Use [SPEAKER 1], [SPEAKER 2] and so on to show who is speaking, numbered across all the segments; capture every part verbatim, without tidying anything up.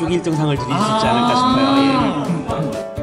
[SPEAKER 1] 쪽 일 등 상을 드릴 수 있지 않을까 싶어요. 예.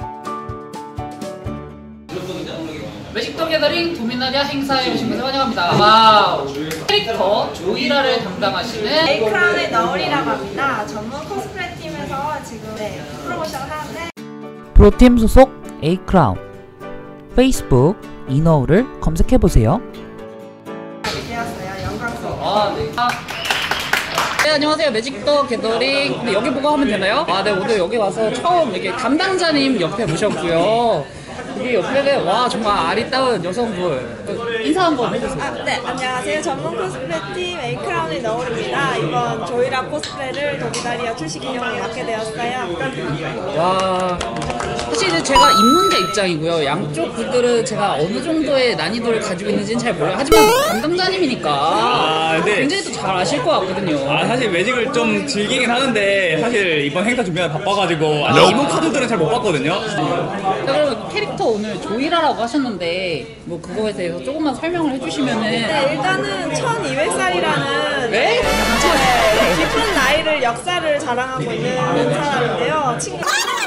[SPEAKER 2] 매직 더 게더링 도미나리아 행사에 오신 것을 환영합니다. 와우! 캐릭터 조이라를 담당하시는
[SPEAKER 3] 에이크라운의 너울이라고 합니다. 전문 코스프레 팀에서 지금 네, 프로모션을 하는데
[SPEAKER 4] 프로팀 소속 에이크라운 페이스북 이너우를 검색해보세요.
[SPEAKER 3] 되었어요. 영광스러워.
[SPEAKER 2] 아, 네. 아, 네, 안녕하세요. 매직 더 게더링. 근데 여기 보고 하면 되나요? 아, 네, 오늘 여기 와서 처음 이렇게 담당자님 옆에 모셨고요. 여기 옆에는 와 정말 아리따운 여성분 인사 한번 해주세요.
[SPEAKER 3] 아, 네, 안녕하세요. 전문 코스프레 팀 에이크라운의 너울입니다. 이번 조이라 코스프레를 도미나리아 출시 기념으로 맡게 되었어요.
[SPEAKER 2] 와 사실 이제 제가 입문자 입장이고요. 양쪽 분들은 제가 어느 정도의 난이도를 가지고 있는지는 잘 몰라요. 하지만 담당자님이니까
[SPEAKER 5] 아, 네.
[SPEAKER 2] 굉장히 또 잘 아실 것 같거든요.
[SPEAKER 5] 아, 사실 매직을 좀 즐기긴 하는데 사실 이번 행사 준비가 바빠가지고 아직 이번 카드들은 잘 못 봤거든요.
[SPEAKER 2] 자, 그럼 캐릭터 오늘 조이라라고 하셨는데 뭐 그거에 대해서 조금만 설명을 해주시면은.
[SPEAKER 3] 네, 일단은 천이백 살이라는
[SPEAKER 2] 네?
[SPEAKER 3] 네, 깊은 나이를 역사를 자랑하고 있는 사람인데요. 친구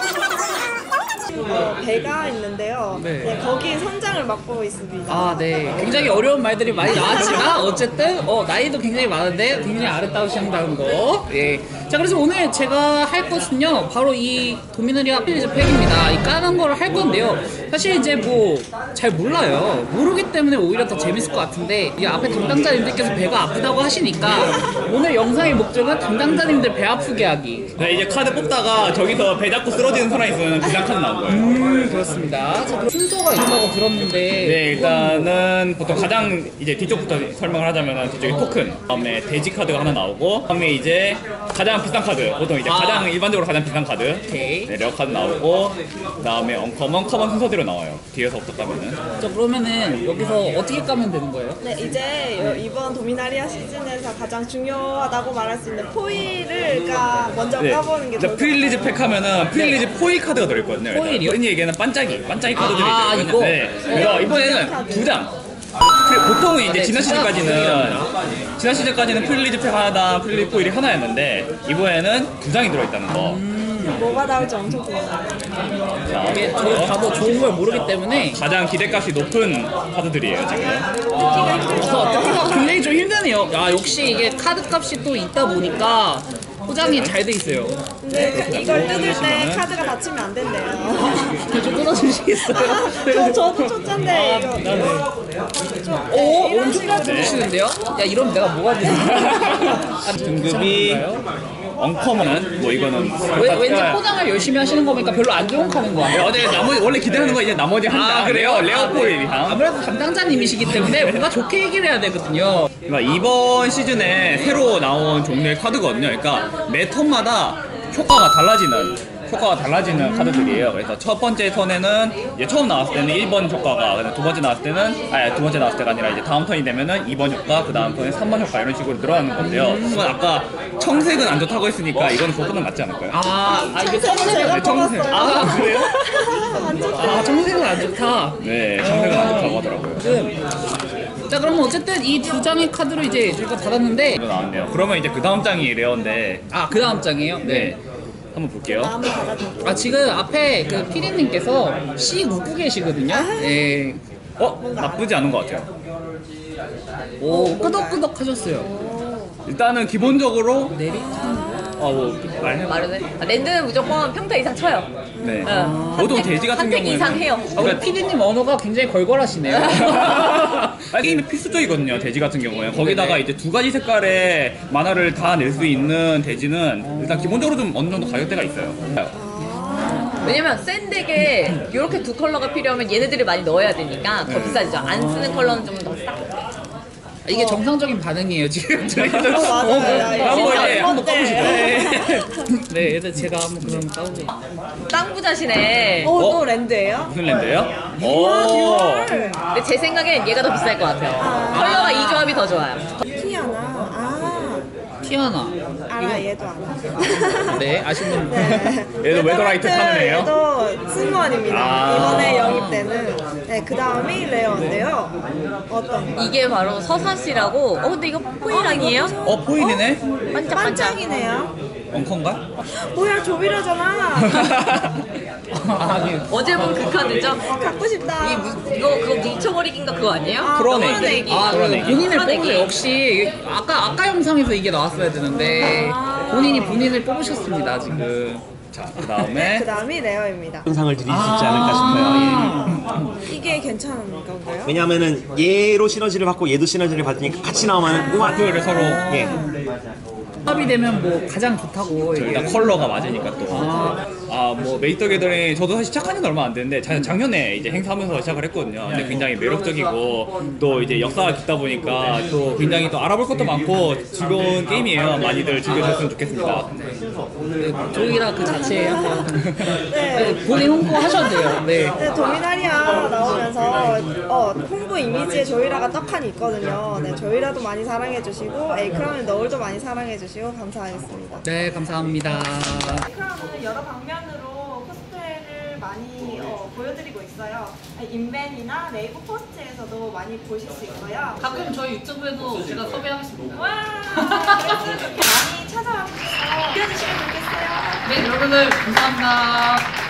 [SPEAKER 3] 배가 있는데요.
[SPEAKER 2] 네.
[SPEAKER 3] 네, 거기 선장을 맡고 있습니다.
[SPEAKER 2] 아, 네. 굉장히 어려운 말들이 많이 나왔지만 어쨌든 어, 나이도 굉장히 많은데 굉장히 아름다우신다는 거. 예. 자, 그래서 오늘 제가 할 것은요 바로 이 도미나리아 필리즈 팩입니다. 이 까는 거를 할 건데요. 사실 이제 뭐 잘 몰라요. 모르기 때문에 오히려 더 재밌을 것 같은데 이 앞에 담당자님들께서 배가 아프다고 하시니까 오늘 영상의 목적은 담당자님들 배 아프게 하기.
[SPEAKER 5] 네, 이제 카드 뽑다가 저기서 배 잡고 쓰러지는 사람이 있으면 비상 카드 나온 거예요.
[SPEAKER 2] 음, 그렇습니다. 자, 순서가 있다고 들었는데.
[SPEAKER 5] 네, 일단은 보통 가장 이제 뒤쪽부터 설명을 하자면 뒤쪽에 토큰, 다음에 돼지 카드가 하나 나오고, 다음에 이제 가장 비싼 카드, 보통 이제
[SPEAKER 2] 아.
[SPEAKER 5] 가장 일반적으로 가장 비싼 카드,
[SPEAKER 2] 오케이.
[SPEAKER 5] 네, 레어 카드 나오고, 그다음에 언커먼, 커먼 순서대로 나와요. 뒤에서부터 까면은.
[SPEAKER 2] 자, 그러면은 여기서 어떻게 까면 되는 거예요?
[SPEAKER 3] 네, 이제 요- 이번 도미나리아 시즌에서 가장 중요하다고 말할 수 있는 포일을 까 먼저 까보는 게
[SPEAKER 5] 일단
[SPEAKER 3] 좋을
[SPEAKER 5] 프릴리즈
[SPEAKER 3] 것
[SPEAKER 5] 팩 하면은 프릴리즈 포일 카드가 들어있거든요. 일단.
[SPEAKER 2] 포일이요?
[SPEAKER 5] 흔히 얘기하는 반짝이, 반짝이 카드들이
[SPEAKER 2] 아,
[SPEAKER 5] 있거든요.
[SPEAKER 2] 이거?
[SPEAKER 5] 네. 그래서 이번에는 두 장. 그 보통은 이제
[SPEAKER 2] 네,
[SPEAKER 5] 지난
[SPEAKER 2] 진짜
[SPEAKER 5] 시즌까지는 지난 시즌까지는 프릴리즈 팩 하나당 프릴리즈 포일이 하나였는데 이번에는 두 장이 들어있다는 거.
[SPEAKER 3] 같아요. 뭐가 나올지 엄청 궁금해요.
[SPEAKER 5] 자,
[SPEAKER 2] 이게 저희 다도 좋은 걸 모르기 때문에
[SPEAKER 5] 가장 기대값이 높은 카드들이에요 지금.
[SPEAKER 2] 그래서 듣기가 굉장히 좀 힘드네요. 야, 역시 이게 카드 값이 또 있다 보니까 포장이 잘 돼 있어요.
[SPEAKER 3] 근데 그- 이걸 뜯을 때 카드가 닫히면 안 된대요.
[SPEAKER 2] 좀 뜯어주시겠어요?
[SPEAKER 3] 저, 저도 초짜인데 이거, 이거 좀,
[SPEAKER 2] 오,
[SPEAKER 3] 네, 이런
[SPEAKER 2] 엄청 잘
[SPEAKER 3] 식으로
[SPEAKER 2] 뜯으시는데요? 야, 이러면 내가 뭐가 되지?
[SPEAKER 5] 등급이 언커먼은 뭐 이거는
[SPEAKER 2] 왜, 왠지 포장을 열심히 하시는 거니까 별로 안 좋은 카드인 거
[SPEAKER 5] 네,
[SPEAKER 2] 아니에요?
[SPEAKER 5] 어제 나머지 원래 기대하는 거 이제 나머지 한 장. 레어 레어 포일 이상.
[SPEAKER 2] 아무래도 담당자님이시기 때문에 뭔가 좋게 얘기를 해야 되거든요.
[SPEAKER 5] 그러니까 이번 시즌에 새로 나온 종류의 카드거든요. 그러니까 매 턴마다 효과가 달라지는 효과가 달라지는 카드들이에요. 그래서 첫 번째 턴에는 이제 처음 나왔을 때는 일 번 효과가, 그다음에 두 번째 나왔을 때는 아니 두 번째 나왔을 때가 아니라 이제 다음 턴이 되면은 이 번 효과, 그 다음 턴에 삼 번 효과 이런 식으로 늘어나는 건데요. 그건 아까 청색은 안 좋다고 했으니까 이거는 그것보다 낫지 않을까요?
[SPEAKER 2] 아, 아 이게
[SPEAKER 3] 청색은
[SPEAKER 2] 청색은
[SPEAKER 3] 제가
[SPEAKER 5] 네, 청색.
[SPEAKER 3] 뽑았어요.
[SPEAKER 2] 아, 그래요?
[SPEAKER 3] 안 좋다.
[SPEAKER 2] 아, 청색은 안 좋다.
[SPEAKER 5] 네, 청색은 안 좋다고 하더라고요.
[SPEAKER 2] 지금 자, 그러면 어쨌든 이 두 장의 카드를 이제 저희가 받았는데
[SPEAKER 5] 이거 나왔네요. 그러면 이제 그 다음 장이 레어인데,
[SPEAKER 2] 아, 그 다음 장이에요?
[SPEAKER 5] 네, 한번 볼게요.
[SPEAKER 3] 마음을 받아들고.
[SPEAKER 2] 아, 지금 앞에 그 피디님께서 씨 웃고 계시거든요. 네.
[SPEAKER 5] 어? 나쁘지 않은 것 같아요.
[SPEAKER 2] 오, 끄덕끄덕 하셨어요.
[SPEAKER 5] 일단은 기본적으로
[SPEAKER 2] 내리.
[SPEAKER 5] 어, 뭐 말해.
[SPEAKER 6] 말해. 아, 랜드는 무조건 평타 이상 쳐요.
[SPEAKER 5] 네.
[SPEAKER 6] 응.
[SPEAKER 5] 보통 돼지 같은
[SPEAKER 6] 한팩
[SPEAKER 5] 경우는
[SPEAKER 6] 이상 해요.
[SPEAKER 2] 아, 우리 피디님 언어가 굉장히 걸걸하시네요.
[SPEAKER 5] 아, 게임이 필수적이거든요. 돼지 같은 경우에 거기다가 이제 두 가지 색깔의 만화를 다 낼 수 있는 돼지는 일단 기본적으로 좀 어느 정도 가격대가 있어요.
[SPEAKER 6] 왜냐면 센 덱에 이렇게 두 컬러가 필요하면 얘네들을 많이 넣어야 되니까 더 비싸지죠. 안 쓰는 컬러는 좀 더 싸.
[SPEAKER 2] 이게 정상적인 반응이에요, 지금. 저희도.
[SPEAKER 3] 어, 맞아요. 야, 이거
[SPEAKER 5] 한번
[SPEAKER 3] 진짜
[SPEAKER 5] 예, 한번
[SPEAKER 3] 어때?
[SPEAKER 5] 까보시죠.
[SPEAKER 2] 네, 일단 제가 한번 그럼 까보고.
[SPEAKER 6] 땅 부자시네.
[SPEAKER 3] 어,
[SPEAKER 5] 어?
[SPEAKER 3] 또 랜드예요?
[SPEAKER 5] 무슨 랜드예요?
[SPEAKER 3] 아,
[SPEAKER 5] 오.
[SPEAKER 3] 듀얼.
[SPEAKER 6] 근데 제 생각엔 얘가 더 비쌀 것 같아요. 컬러가 이 조합이 더 좋아요.
[SPEAKER 3] 티아나. 아,
[SPEAKER 2] 티아나.
[SPEAKER 3] 알아, 얘도 알아.
[SPEAKER 2] 네, 아시는 분.
[SPEAKER 3] 네.
[SPEAKER 5] 얘도 웨더라이트 타는 애예요?
[SPEAKER 3] 얘도 승무원입니다.
[SPEAKER 5] 아.
[SPEAKER 3] 이번에 영입되는. 네, 그 다음이 레어인데요. 어떤 거?
[SPEAKER 6] 이게 바로 서사시라고. 어 근데 이거 포일 아니에요?
[SPEAKER 5] 어, 포인이네?
[SPEAKER 6] 반짝반짝.
[SPEAKER 3] 반짝이네요.
[SPEAKER 5] 엉컨가?
[SPEAKER 3] 뭐야 조비라잖아.
[SPEAKER 2] 아, 예.
[SPEAKER 6] 어제 본 그 카드죠?
[SPEAKER 3] 갖고 싶다.
[SPEAKER 6] 이 무- 이거 그거 뭉쳐버리기인가 그거 아니에요?
[SPEAKER 3] 아,
[SPEAKER 5] 풀어내기.
[SPEAKER 6] 풀어내기.
[SPEAKER 2] 아, 그
[SPEAKER 5] 풀어내기.
[SPEAKER 2] 본인을
[SPEAKER 6] 풀어내기.
[SPEAKER 2] 뽑으세요. 역시 아까 아까 영상에서 이게 나왔어야 되는데 본인이 본인을 뽑으셨습니다 지금.
[SPEAKER 5] 자, 그 다음에
[SPEAKER 3] 그 다음이 레어입니다.
[SPEAKER 1] 영상을 드릴 수 있지 않을까 싶어요. 예.
[SPEAKER 3] 이게 괜찮은 건가요?
[SPEAKER 1] 왜냐하면은 얘로 시너지를 받고 얘도 시너지를 받으니까 같이 나오면 우와
[SPEAKER 5] 그거를 서로
[SPEAKER 1] 예.
[SPEAKER 2] 합이 되면 뭐 가장 좋다고
[SPEAKER 5] 일단
[SPEAKER 2] 얘기를
[SPEAKER 5] 컬러가 맞으니까 또.
[SPEAKER 2] 아.
[SPEAKER 5] 아, 뭐 메이터 게더링 저도 사실 시작한 지는 얼마 안 됐는데 자- 작년에 이제 행사하면서 시작을 했거든요. 근데 굉장히 매력적이고 또 이제 역사가 깊다 보니까 또 굉장히 또 알아볼 것도 많고 즐거운 게임이에요. 많이들 즐겨주셨으면 좋겠습니다.
[SPEAKER 2] 조이라 그 자체에 한번
[SPEAKER 3] 네.
[SPEAKER 2] 본인 홍보 하셔도 돼요. 네.
[SPEAKER 3] 네, 도미나리아 나오면서 어, 홍보 이미지에 조이라가 떡하니 있거든요. 네, 조이라도 많이 사랑해주시고 에이크라운의 너울도 많이 사랑해주시고 감사하겠습니다.
[SPEAKER 2] 네, 감사합니다.
[SPEAKER 3] 에이크라운은 여러 방면으로 코스프레를 많이 어, 보여드리고 있어요. 인벤이나 네이버 포스트에서도 많이 보실 수 있고요.
[SPEAKER 2] 가끔 저희 유튜브에도 제가 섭외하겠습니다.
[SPEAKER 3] 와, 많이 찾아와주셔서 느껴주시면 좋겠어요.
[SPEAKER 2] 네, 여러분들 감사합니다.